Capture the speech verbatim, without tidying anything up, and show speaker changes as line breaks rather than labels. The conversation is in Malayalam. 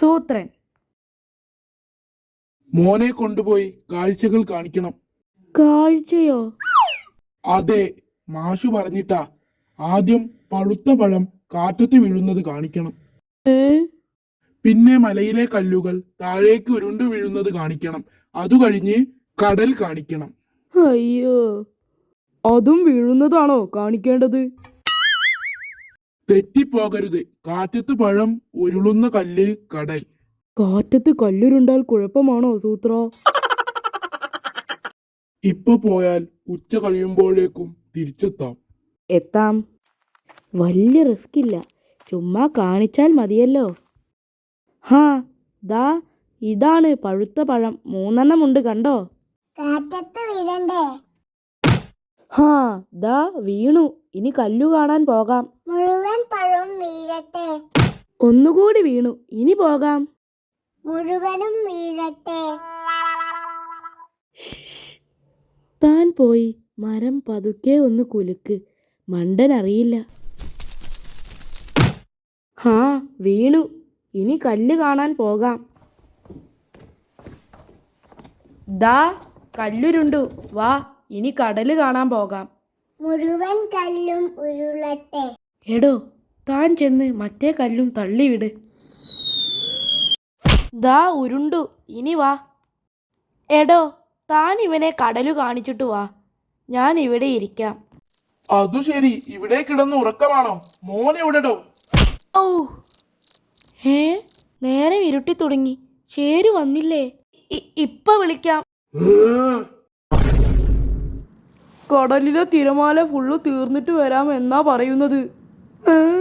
സൂത്രൻ.
മോനെ കൊണ്ടുപോയി കാഴ്ചകൾ കാണിക്കണം.
കാഴ്ചയോ?
അതെ, മാഷു പറഞ്ഞിട്ടാ. ആദ്യം പഴുത്ത പഴം കാറ്റത്ത് വീഴുന്നത് കാണിക്കണം.
ഏ
പിന്നെ മലയിലെ കല്ലുകൾ താഴേക്ക് ഉരുണ്ടു വീഴുന്നത് കാണിക്കണം. അതു കഴിഞ്ഞ് കടൽ കാണിക്കണം.
അയ്യോ, അതും വീഴുന്നതാണോ കാണിക്കേണ്ടത്?
തെറ്റിപ്പോകരുത്. കാറ്റത്ത് പഴം, ഉരുളുന്ന കല്ല്, കടൽ.
കാറ്റത്ത് കല്ലുരുണ്ടാൽ കുഴപ്പമാണോ സൂത്ര?
ഇപ്പൊ പോയാൽ ഉച്ച കഴിയുമ്പോഴേക്കും തിരിച്ചെത്താം.
എത്താം. വലിയ റിസ്ക് ഇല്ല, ചുമ്മാ കാണിച്ചാൽ മതിയല്ലോ. ഹാ, ദാ ഇതാണ് പഴുത്ത പഴം. മൂന്നെണ്ണം ഉണ്ട്, കണ്ടോ?
കാറ്റത്ത് വീഴണ്ടേ?
ഹാ, ദാ വീണു. ഇനി കല്ലു കാണാൻ പോകാം.
മുഴുവൻ പഴവും വീഴട്ടെ.
ഒന്നുകൂടി വീണു. ഇനി പോകാം.
മുഴുവനും വീഴട്ടെ.
താൻ പോയി മരം പതുക്കെ ഒന്ന് കുലുക്ക്. മണ്ടൻ അറിയില്ല. ഹാ, വീണു. ഇനി കല്ല് കാണാൻ പോകാം. ദാ കല്ലുരുണ്ടു. വാ, ഇനി കടല് കാണാൻ പോകാം.
മുഴുവൻ കല്ലും ഉരുളട്ടെ.
എടോ, താൻ ചെന്ന് മറ്റേ കല്ലും തള്ളിവിട്. ദാ ഉരുണ്ടു. ഇനി വാ. എടോ, താൻ ഇവനെ കടലു കാണിച്ചിട്ട് വാ. ഞാൻ ഇവിടെ ഇരിക്കാം.
അതു ശരി, ഇവിടെ കിടന്ന് ഉറക്കമാണോ? മോനെവിടെടോ?
ഔ, ഹേ, നേരം ഇരുട്ടി തുടങ്ങി. ചേരു വന്നില്ലേ? ഇപ്പൊ വിളിക്കാം. കടലിലെ തിരമാല ഫുള്ള് തീർന്നിട്ട് വരാം എന്നാ പറയുന്നത്.